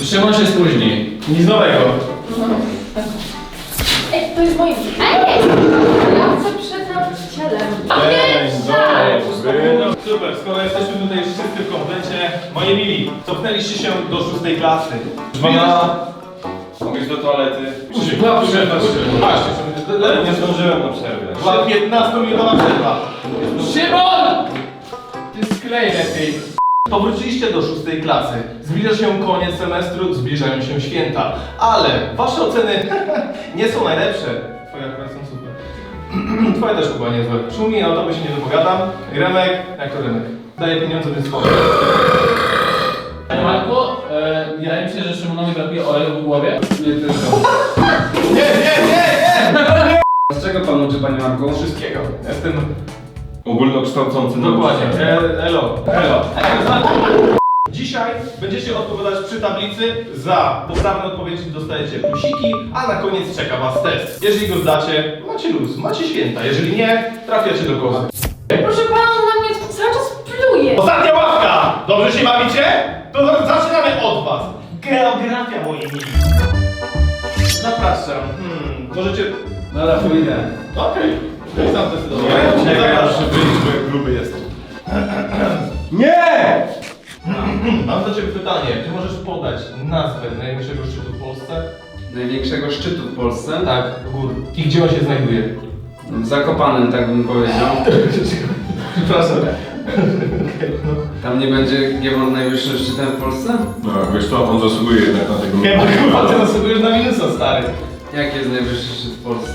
Szymon się spóźni. Nic nowego. Ej, to jest moje. Ej! Ja chcę przed nauczycielem. No, super, skoro jesteśmy tutaj wszyscy w komplecie, moi mili, cofnęliście się do 6 klasy. Mogę iść do toalety. Była przerwa. Właśnie, Nie zdążyłem na przerwę. była 15-minutowa przerwa. Szymon! Ty sklej lepiej. Powróciliście do 6 klasy. Zbliża się koniec semestru, zbliżają się święta. Ale wasze oceny nie są najlepsze. Twoje akurat są super. Twoje też chyba niezłe. Szumi, o tobie się nie dopowiadam. Remek, jak to Remek? Daję pieniądze, więc spoko. Panie Marku, wydaje mi się, że Szymonowi brakuje oleju w głowie. Nie tylko. Nie! Z czego pan uczy, panie Marku? Wszystkiego. Jestem... Ogólnokształcący Dokładnie. nauczyciel. Elo. Dzisiaj będziecie odpowiadać przy tablicy. Za poprawne odpowiedzi dostajecie plusiki, a na koniec czeka was test. Jeżeli go zdacie, macie luz, macie święta. Jeżeli nie, trafiacie do kozy. Proszę pana, on na mnie cały czas pluje. Ostatnia ławka! Dobrze się bawicie? To zaczynamy od was. Geografia, moi mili. Zapraszam. Możecie... Dobra, pójdę. Okej. Sam zdecydowałem. Zapraszam. Gruby jestem. Nie! Mam do ciebie pytanie. Czy możesz podać nazwę największego szczytu w Polsce? Największego szczytu w Polsce? Tak, gór. I gdzie on się znajduje? W Zakopanem, tak bym powiedział. Przepraszam. Tam nie będzie Giewont najwyższym szczytem w Polsce? No, wiesz co, on zasługuje jednak na tego. Nie, bo chyba ty zasługujesz na minusa, stary. Jaki jest najwyższy szczyt w Polsce?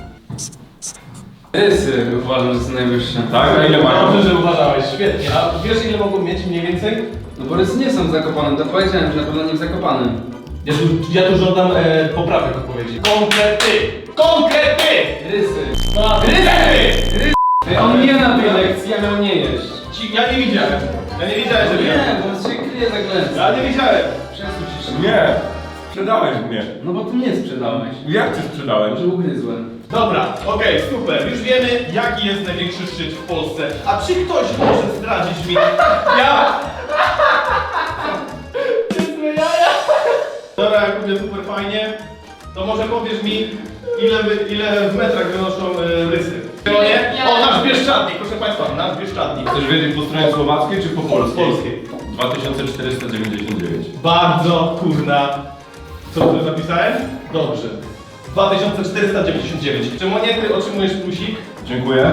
Rysy uważam, że są najwyższe. Tak? A ile mają? Dobrze, że uważałeś, świetnie. A wiesz ile mogą mieć mniej więcej? No bo rysy nie są w Zakopanem, to powiedziałem, że na pewno nie w Zakopanem. Ja tu żądam poprawek odpowiedzi. Konkrety! Konkrety! Rysy. Rysy! On nie na tej lekcji, ja miał nie jeść. Ja nie widziałem. Ja nie widziałem, że Nie, bo się kryje za glęcą. Ja nie widziałem. Przesuń się. Nie! Sprzedałeś mnie. No bo ty mnie sprzedałeś. Jak cię sprzedałem? Że ugryzłem. Dobra, okej, super. Już wiemy, jaki jest największy szczyt w Polsce. A czy ktoś może zdradzić mi? Ja! Dobra, jak będzie super fajnie, to może powiesz mi, ile w metrach wynoszą rysy? To nie? O, nasz Bieszczadnik, proszę Państwa, nasz Bieszczadnik. Chcesz wiedzieć po stronie słowackiej czy po polskiej? Polskiej. 2499. Bardzo kurna. Co tu napisałem? Dobrze. 2499. Czy monety otrzymujesz plusik? Dziękuję.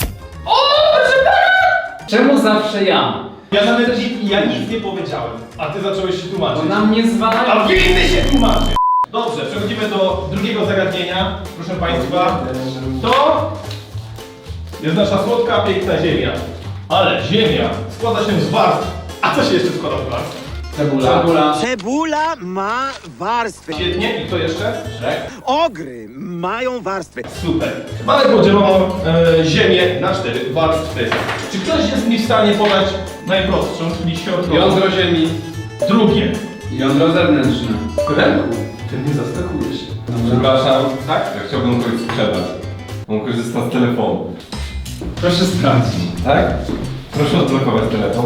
Czemu zawsze ja? Ja nawet nic nie powiedziałem, a ty zacząłeś się tłumaczyć. Bo na mnie zwalają. A winny się tłumaczy! Dobrze, przechodzimy do drugiego zagadnienia. Proszę Państwa, to jest nasza słodka, piękna ziemia. Ale ziemia składa się z warstw. A co się jeszcze składa z warstw? Cebula. Cebula ma warstwy. Świetnie, i kto jeszcze? Ogry mają warstwy. Super. Mamy podzieloną ziemię na 4 warstwy. Czy ktoś jest mi w stanie podać najprostszą, czyli środkową? Jądro ziemi. Drugie. Jądro zewnętrzne. Remku, ty mnie zaskakujesz. Przepraszam. Tak? Ja chciałbym kogoś sprzedać. On korzysta z telefonu. Proszę sprawdzić. Tak? Proszę odblokować telefon.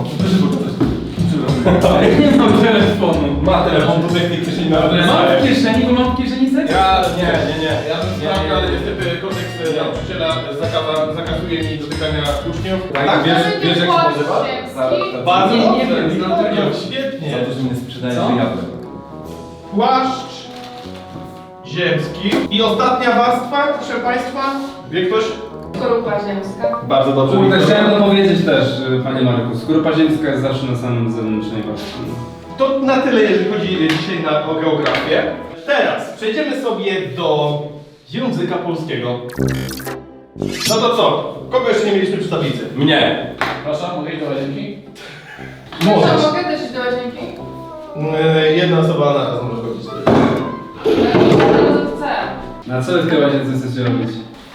Nie mam telefonu. Ma telefon do tej kieszeni na Mam w kieszeni, bo mam w kieszeni zegar. Ja bym sprawdził, ale niestety kodeks nauczyciela zakazuje mi dotykania uczniów. Tak, wiesz jak się nazywa? Bardzo Nie, nie dobrze. wiem, znam tylko. Świetnie. Za to, że mnie sprzedajesz, Co? że jadę. Płaszcz ziemski. I ostatnia warstwa, proszę Państwa. Wie ktoś? Skorupa ziemska. Bardzo dobrze. Kurde, chciałem to powiedzieć też, panie Marku. Skorupa ziemska jest zawsze na samym zewnętrznej warstwie. To na tyle, jeżeli chodzi dzisiaj o geografię. Teraz przejdziemy sobie do języka polskiego. No to co? Kogo jeszcze nie mieliśmy przy tablicy? Mnie! Proszę, mogę iść do łazienki? Możesz. Mogę też iść do łazienki? Jedna osoba na raz może chodzić. Chcę. Na co wy w tej łazience chcecie robić?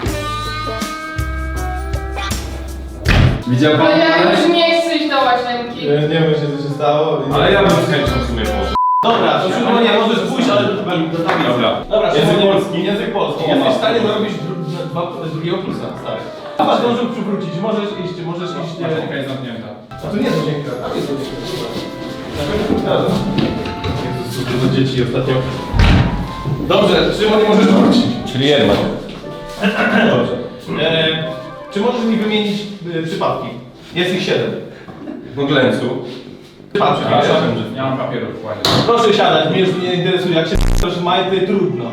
Widział Bo pan? ja już nie chcę iść do łazienki. Nie wiem, co się stało. Ale ja bym z chęcią w sumie poszedł. Dobra, to już nie możesz pójść, ale do tablicy. Dobra. Dobra, Język Szymon, polski. Język polski. O, Jesteś w masz. stanie zarobić drugiego plusa, stary. A masz zdążył przywrócić, możesz iść. Łazienka jest zamknięta. A tu nie jest łazienka, tam jest łazienka. Jezus, dzieci ostatnio. Dobrze, Szymon, nie możesz wrócić. Czyli jednak. Dobrze. Czy możesz mi wymienić przypadki? Jest ich 7. No Glencu. Przypadki, Przepraszam, wiesz? nie mam papieru wkładzie. Proszę siadać, mnie już nie interesuje. Jak się proszę majty, trudno.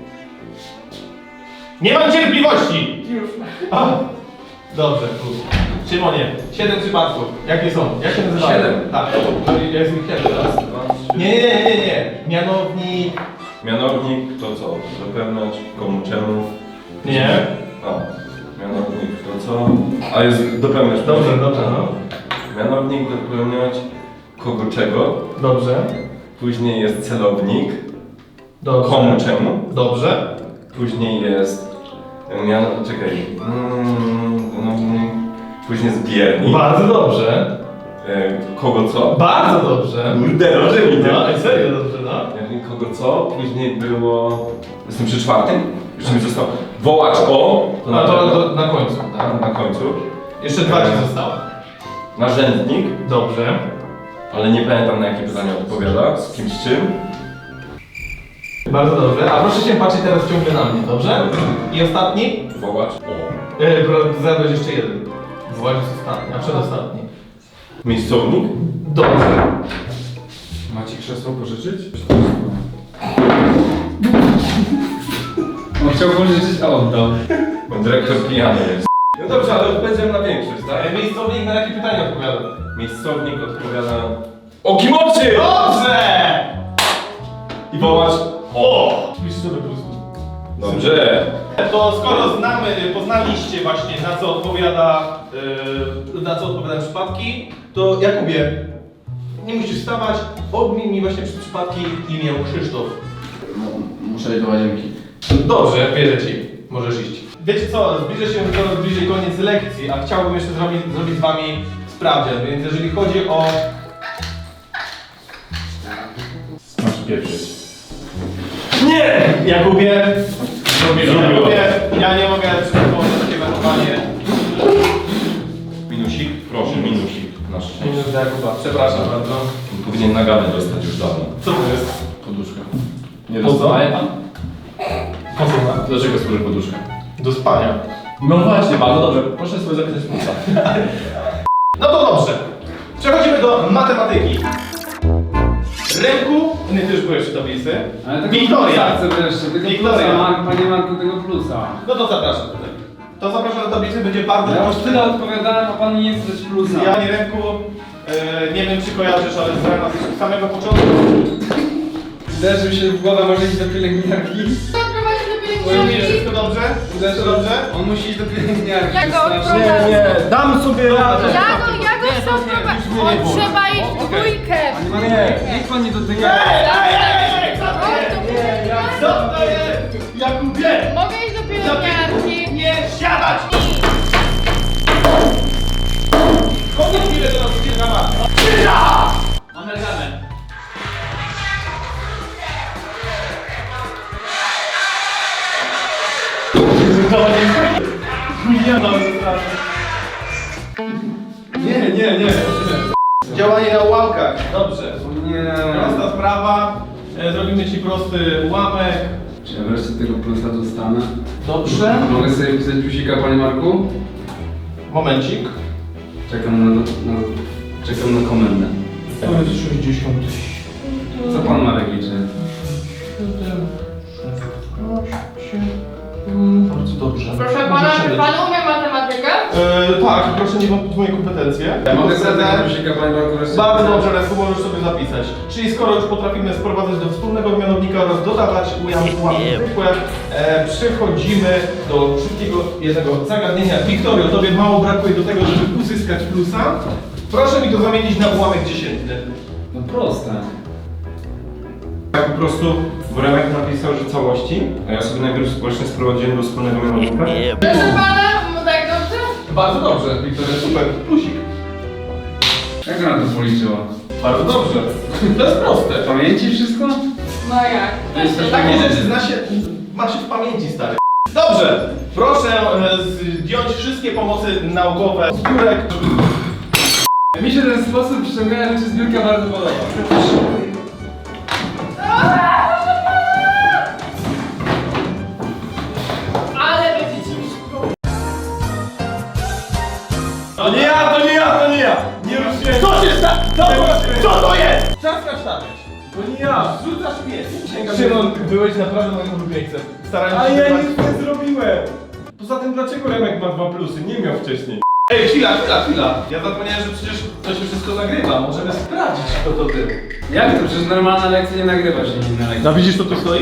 Nie mam cierpliwości! Już. A, dobrze, plus. Szymonie, 7 przypadków. Jakie są? Jak się nazywają? 7? Tak, jest ich 7 teraz. Nie. Mianownik. Mianownik to co? Dopełniać komu czemu? Nie. A, mianownik to co? A jest dopełniać. Dobrze, no. Mianownik dopełniać kogo czego? Dobrze. Później jest celownik. Dobrze. Komu czemu? Dobrze. Później jest... Czekaj. Później zbiernik. Bardzo dobrze. Kogo co? Bardzo dobrze. Kurde, dobrze mi to. No, i serio dobrze, no. Kogo co? Później było... Jestem przy czwartym? Jeszcze mi zostało... Wołacz o... A na pewno. to na końcu, tak? Na końcu. Jeszcze 2 ci zostały. Narzędnik, Dobrze. ale nie pamiętam na jakie pytanie odpowiada, z kimś czym. Bardzo dobrze. A proszę się patrzeć teraz ciągle na mnie, dobrze? I ostatni? Wołacz o. Zadać jeszcze jeden. Wołacz jest ostatni, a przedostatni. Miejscownik. Dobrze. Macie krzesło pożyczyć? On chciał pożyczyć, a oddał. Dyrektor pijany jest. No dobrze, ale odpowiedziałem na większość, tak? Miejscownik na jakie pytanie odpowiada? Miejscownik odpowiada... O kimocy! Dobrze! I wołacz O! Pisz sobie po prostu. Dobrze. To skoro poznaliście właśnie na co odpowiadają przypadki, to Jakubie, nie musisz wstawać, odmień mi właśnie przypadki imię Krzysztof. Muszę iść do łazienki. Dobrze, wierzę ci. Możesz iść. Wiecie co, zbliża się coraz bliżej koniec lekcji, a chciałbym jeszcze zrobić z wami sprawdzian, więc jeżeli chodzi o... Masz pieprzyć. Nie! Jakubie! Jakubie, ja nie mogę przygotować takie zachowanie. Minusik? Proszę, minusik. Na szczęście. Minus dla Jakuba, przepraszam bardzo. Powinien nagany dostać już dawno. Co to jest? Poduszka. Nie Po co? dostaje pan? Po co ma? Dlaczego służy poduszka? Do spania. No właśnie, bardzo dobrze. Proszę sobie zapisać płuca. No to dobrze. Przechodzimy do matematyki. Ręku, nie ty już byłeś w tablicy. Ale tego Wiktoria. plusa chcę wreszcie, tego Wiktoria. plusa, panie Marku, tego plusa. No to zapraszam tutaj. To zapraszam do tablicy, będzie bardzo Ja już proste. tyle odpowiadałem, a pan nie chce dać plusa. Ja nie ręku, nie wiem czy kojarzysz, ale znałem nas od samego początku. Uderzył się w głowę, może iść do pielęgniarki. Odprowadzi do Mówisz, pielęgniarki. wszystko dobrze? Wszystko dobrze? On musi iść do pielęgniarki. Ja go strasznie. odprowadzę. Dam sobie radę. Ja go chcę odprowadzić. On trzeba iść w dwójkę. Panie Marku, niech pan nie dotyka. Co to jest? Jakubie! Mogę iść do pielęgniarki. Nie siadać! Kogo chwilę to nas chwilę na matę? Amerykany. Nie. Działanie na ułamkach. Dobrze. Nie. Prosta sprawa. Zrobimy ci prosty ułamek. Czy ja wreszcie tego plusa dostanę? Dobrze. Mogę sobie wpisać plusika, panie Marku? Momencik. Czekam na komendę. To jest 60. Co pan Marek liczy? Bardzo dobrze. Proszę pana, czy pan umie matematykę? Tak, proszę nie wątpić w moje kompetencje. Mogę sobie tego plusika, panie Marku, wreszcie? Bardzo dobrze, Resku, możesz sobie zapisać. Czyli skoro już potrafimy sprowadzać do wspólnego mianownika oraz dodawać ułamki zwykłe, przechodzimy do szybkiego jednego zagadnienia. Wiktorio, tobie mało brakuje do tego, żeby uzyskać plusa. Proszę mi to zamienić na ułamek dziesiętny. No proste. Tak po prostu Boremek napisał, że całości, a ja sobie najpierw właśnie sprowadziłem do wspólnego mianownika. Proszę pana, no tak dobrze? Bardzo dobrze, Wiktoria, super. Plusik. Jak ona to policzyła? Bardzo dobrze. To jest proste. W pamięci wszystko? No jak? Takie rzeczy ma się w pamięci, stary. Dobrze, proszę zdjąć wszystkie pomocy naukowe z biurek. Mi się ten sposób ściągania rzeczy z biurka bardzo podoba. Co to jest? Czas kasztaniać. To nie ja. Rzucasz pies. Szymon, byłeś naprawdę moim ulubieńcem. Starałem się... Ale ja nic nie zrobiłem! Poza tym dlaczego Remek ma 2 plusy? Nie miał wcześniej. Ej, chwila. Ja zapomniałem, że przecież to się wszystko nagrywa. Możemy sprawdzić, kto to był. Jak to? Przecież normalna lekcja nie nagrywa się inna lekcja. No widzisz, co tu stoi?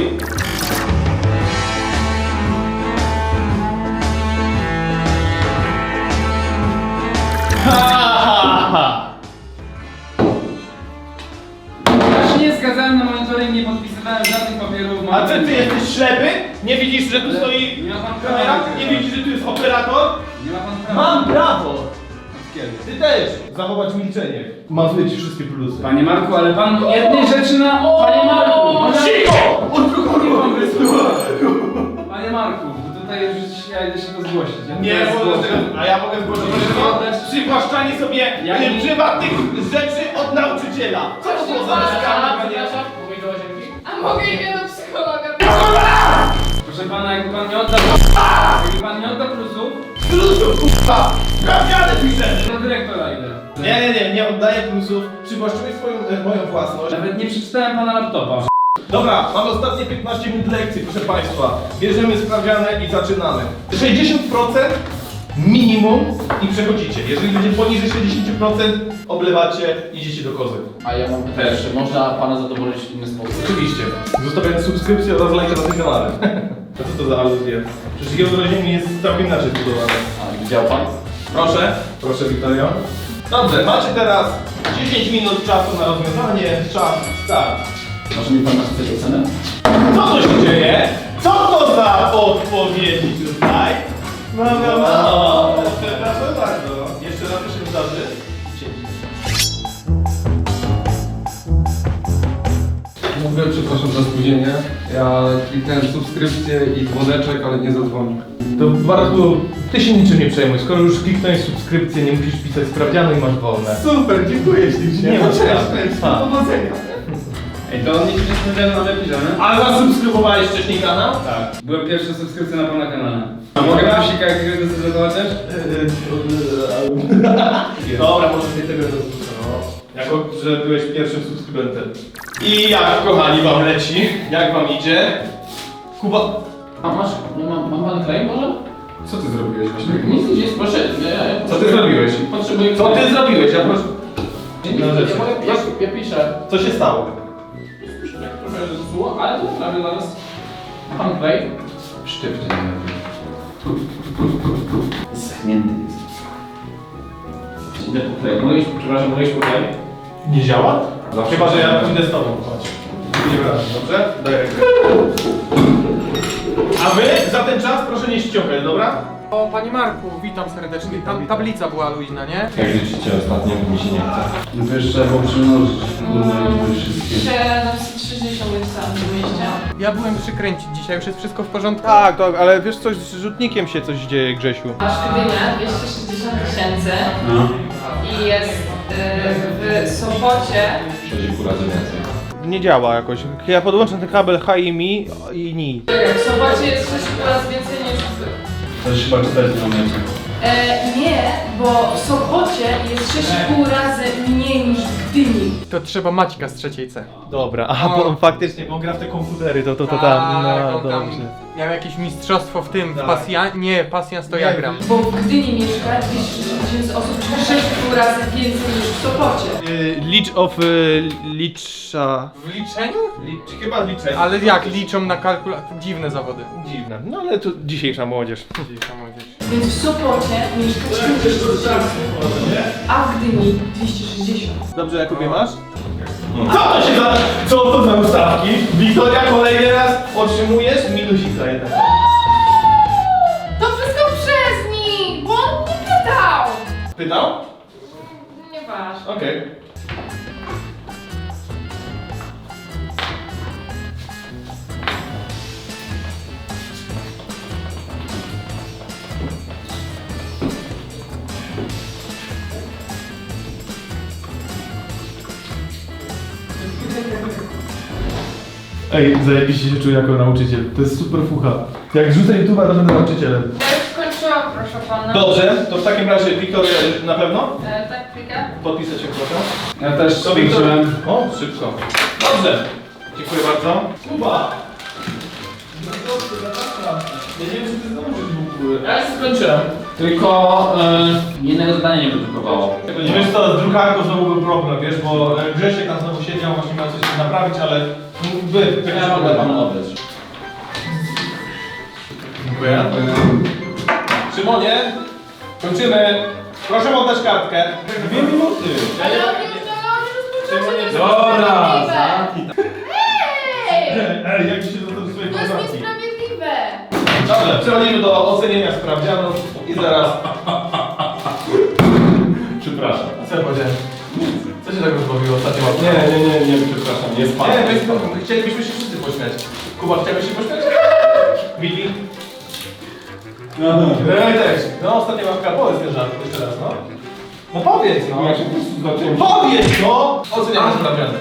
Ja się nie zgadzałem na monitoring, nie podpisywałem żadnych papierów. A ty jesteś ślepy? Nie widzisz, że tu stoi Nie ma pan prawa kamera? nagrywać. Nie widzisz, że tu jest operator? Nie ma pan prawa. Mam prawo! Od kiedy? Ty też! Zachować milczenie. Mazuję ci wszystkie plusy. Panie Marku, ale pan jednej rzeczy na... Panie Marku! Cicho! Nie mam wysłuchać. Panie Marku, bo tutaj już ja idę się to zgłosić. Ja Nie, teraz bo zgłoszę. a ja mogę zgłosić przywłaszczanie sobie Ja nie- prywatnych rzeczy od nauczyciela. Co to było za bezkarne? Przepraszam, mówię do łazienki. A mogę iść do psychologa? Proszę pana, jakby pan nie oddał... Jakby pan nie oddał plusów, Plusów, kurwa! Sprawdziane piszesz! do dyrektora idę. Nie oddaję plusów. Przywłaszczyłeś moją własność. Nawet nie przeczytałem pana laptopa. Dobra, mamy ostatnie 15 minut lekcji, proszę Państwa. Bierzemy sprawdziane i zaczynamy. 60% minimum i przechodzicie. Jeżeli będzie poniżej 60%, oblewacie, idziecie do kozy. A ja mam pytanie, czy można pana zadowolić w inny sposób? Oczywiście. Zostawiając subskrypcję oraz lajka na tym kanale. A co to za aluzje? Przecież geodrazienie jest całkiem inaczej zbudowane. A widział pan? Proszę Wiktorio. Dobrze, macie teraz 10 minut czasu na rozwiązanie. Czas, start. Może mi pan napisać ocenę? Co to się dzieje? Co to za odpowiedzi tutaj? No. Przepraszam bardzo. Jeszcze raz to się wydarzy. Mówię, przepraszam za spóźnienie. Ja kliknąłem subskrypcję i dzwoneczek, ale nie zadzwonił. To Bartku, ty się niczym nie przejmuj. Skoro już kliknąłeś subskrypcję, nie musisz pisać sprawdzianu i masz wolne. Super, dziękuję ślicznie. Nie ma sprawy. Powodzenia. Ej, to on nie sprawdziany na napisane? A zasubskrybowałeś wcześniej kanał? Tak. Byłem pierwszy subskrypcja na pana kanale. A mogę plusika jakiegoś decydować też? Dobra, może nie tego rozpuszczę, no. Jako, że byłeś pierwszym subskrybentem. I jak, kochani, wam leci? Jak wam idzie? Kuba... A masz, mam pan claim może? Co ty zrobiłeś właśnie? Nic, jest, proszę. Co ty zrobiłeś? Potrzebuję Co ty zrobiłeś? Ja proszę... No rzeczy. ja piszę. Co się stało? Trochę zepsuło, ale to naprawię zaraz. Pan claim? Sztywnie nie robię. Schnięty jest. Idę po claim. Mogę iść, przepraszam, mogę iść po claim? Nie działa? Zawsze Chyba, że ja działa. pójdę z tobą, chodź. Nie wracam, dobrze? Daj rękę. A wy za ten czas proszę nie ściągać, dobra? O, panie Marku, witam serdecznie. Tam tablica była luźna, nie? Jak liczycie ostatnio, bo mi się nie chce. No to jeszcze trzeba było przymnożyć. Wszystkie. 760 napisałam w mieście. Ja byłem przykręcić dzisiaj, już jest wszystko w porządku. Tak, ale wiesz coś, z rzutnikiem się coś dzieje, Grzesiu. Masz Gdynia 260 000 No. i jest w Sopocie 6,5 razy więcej. Nie działa jakoś. Ja podłączę ten kabel HMI i NI. w Sopocie jest 6 razy więcej niż w... To już chyba 4 km. Nie, bo w Sopocie jest 6,5 razy mniej niż w Gdyni. To trzeba Maćka z trzeciej C. Dobra, aha, No. bo faktycznie, bo gra w te komputery, to tam, Tak, no on tam dobrze. miał jakieś mistrzostwo w tym, w Tak. pasjan... Nie, pasjans to ja gram. Bo w Gdyni mieszka 260 000 osób, czyli 6,5 razy więcej niż w Sopocie. Leech of Leecha. W liczeniu? Chyba liczę. Ale jak liczą na kalkulator? Dziwne zawody. Dziwne. No ale to dzisiejsza młodzież. Dzisiejsza młodzież. Więc w Sopocie mieszka 40 000, a w Gdyni 260. Dobrze, Jakubie, masz? Co to się za... Co to za ustawki? Wiktoria, kolejny raz otrzymujesz minusika jednak. To wszystko przez nich, bo on nie pytał. Pytał? Nieważne. Okej. Ej, zajebiście się czuję jako nauczyciel. To jest super fucha. Jak rzucę YouTube'a, to będę nauczycielem. Ja już skończyłam, proszę pana. Dobrze, to w takim razie Wiktoria na pewno? Tak, chwilkę. podpisać się proszę. Ja też To Wiktor. skończyłem. O, szybko. Dobrze. Dziękuję bardzo. Kuba. Ja nie wiem, czy ty zdążysz w ogóle. Ja już skończyłem. Tylko jednego zadania nie wydrukowało. Nie wiesz co, z drukarką znowu był problem, wiesz, bo Grzesiek tam znowu siedział, właśnie miał coś naprawić, ale Ja mogę panu oddać. Dziękuję. Szymonie, kończymy. Proszę oddać kartkę. 2 minuty. Ale oni już Szymonie, Dobra! Hej! Ej, jak ci się do swojej To jest koleżanki? niesprawiedliwe! Dobrze, przechodzimy do ocenienia sprawdzianów i zaraz... Przepraszam. Co ja powiedziałem? Co się tak rozbawiło ostatnio? Nie, przepraszam, nie spadł. Nie, chcielibyśmy się wszyscy pośmiać. Kuba, chciałbyś się pośmiać? Wiki? Ja też. No, ostatnia łapka, powiedz ten żart jeszcze raz, no. No powiedz, no. Ja się po prostu zacząłem... Powiedz, no! Oceniamy sprawdziany.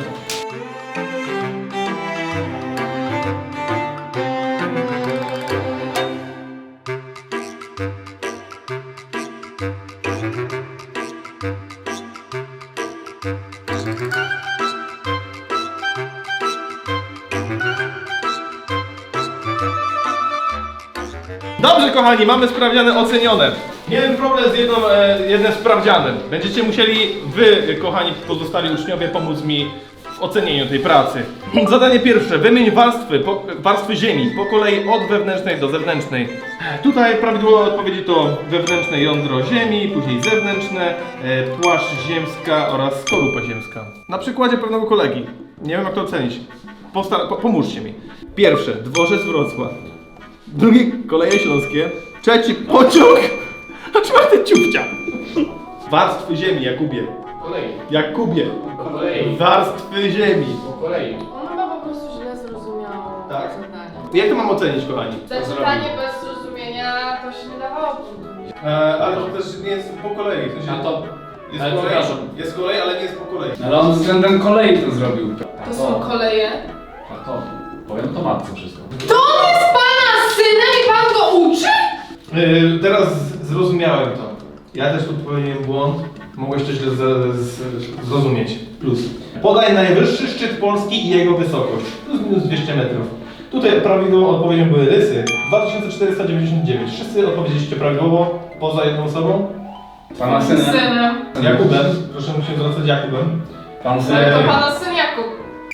Dobrze, kochani, mamy sprawdziane ocenione. Miałem problem z jednym sprawdzianem. Będziecie musieli wy, kochani pozostali uczniowie, pomóc mi w ocenieniu tej pracy. Zadanie pierwsze. Wymień warstwy ziemi po kolei od wewnętrznej do zewnętrznej. Tutaj prawidłowe odpowiedzi to wewnętrzne jądro ziemi, później zewnętrzne, płaszcz ziemska oraz skorupa ziemska. Na przykładzie pewnego kolegi. Nie wiem, jak to ocenić. Pomóżcie mi. Pierwsze. Dworzec Wrocław. Drugi koleje śląskie. Trzeci pociąg. A czwarty ciupcia. Warstwy ziemi, Jakubie. Po kolei. Jakubie. Po kolei. Warstwy ziemi. Po kolei. On chyba po prostu źle zrozumiał Tak. zadanie. Jak to mam ocenić, kochani? Zaczytanie bez zrozumienia to się nie dawało punktu. Ale to też nie jest po kolei. To A to... jest ale kolej, przepraszam. jest kolej, ale nie jest po kolei. Ale on względem kolei to zrobił. To są koleje. A to... Powiem to matce wszystko. To on jest pana synem i pan go uczy? Teraz zrozumiałem to. Ja też tu popełniłem błąd. Mogłeś to źle zrozumieć. Plus. Podaj najwyższy szczyt Polski i jego wysokość. Plus minus 200 metrów. Tutaj prawidłową odpowiedzią były rysy. 2499. Wszyscy odpowiedzieliście prawidłowo, poza jedną osobą. Pana synem. Synem. Jakubem. Proszę się zwracać Jakubem. Pan No synem. to pana syn Jakub.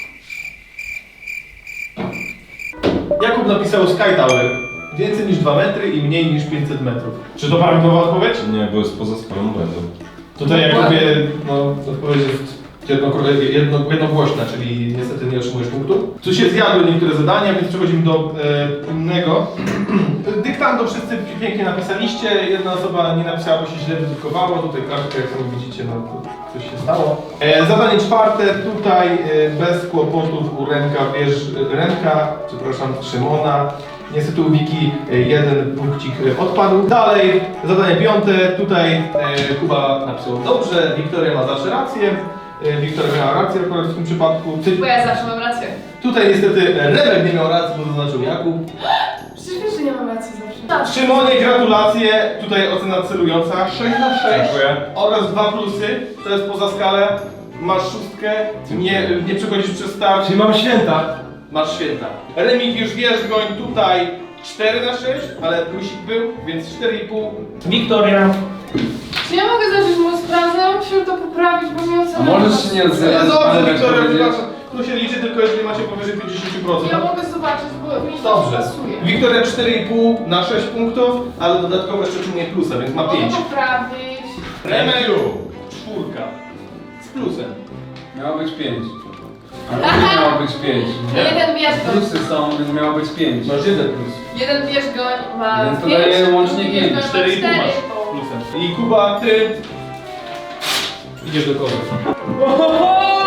Jakub napisał Sky Tower. Więcej niż 2 metry i mniej niż 500 metrów. Czy to prawidłowa odpowiedź? Nie, bo jest poza swoją błędą. Tutaj Jakubie, no, odpowiedź jest jednogłośna, czyli niestety nie otrzymujesz punktu. Tu się zjadły niektóre zadania, więc przechodzimy do innego. Dyktando wszyscy pięknie napisaliście, jedna osoba nie napisała, bo się źle wydrukowało. Tutaj kartkę, jak sami widzicie, no to coś się stało. Zadanie czwarte, tutaj bez kłopotów u Szymona. Niestety u Wiki jeden punkcik odpadł. Dalej, zadanie piąte, tutaj Kuba napisał dobrze, Wiktoria ma zawsze rację. Wiktoria miała rację akurat w tym przypadku. Bo ja zawsze mam rację. Tutaj niestety Remek nie miał racji, bo zaznaczył Jakub. Przecież wiesz, że nie mam racji zawsze. Szymonie, gratulacje. Tutaj ocena celująca 6/6. Dziękuję. Oraz 2 plusy. To jest poza skalę. Masz 6. Nie przechodzisz przez start. Czyli mam święta. Masz święta. Remik już Wierzgoń tutaj 4/6, ale plusik był, więc 4,5. Wiktoria. Czy ja mogę zacząć moją sprawę? Ja muszę to poprawić, bo mi ocena... A możesz się nie odzywać, Dobrze, ale tak Wiktoria, powiedzieć. przepraszam. Tu się liczy tylko jeżeli macie powyżej 50%. Ja mogę zobaczyć, bo mi to Dobrze. pasuje. Wiktoria 4,5 na 6 punktów, ale dodatkowo jeszcze otrzymuje plusa, więc ma 5. Mogę poprawić. Remeju 4 z plusem. Miało być 5. Ale nie miało być 5. Jeden wierzgoń. Plusy są, więc miało być 5. Masz 1 plus. Jeden wierzgoń ma Więc to 5, daje łącznie drugi 5, wierzgoń ma 4,5 masz 4,5. plusem. I Kuba, ty idziesz do kogoś. Ohoho!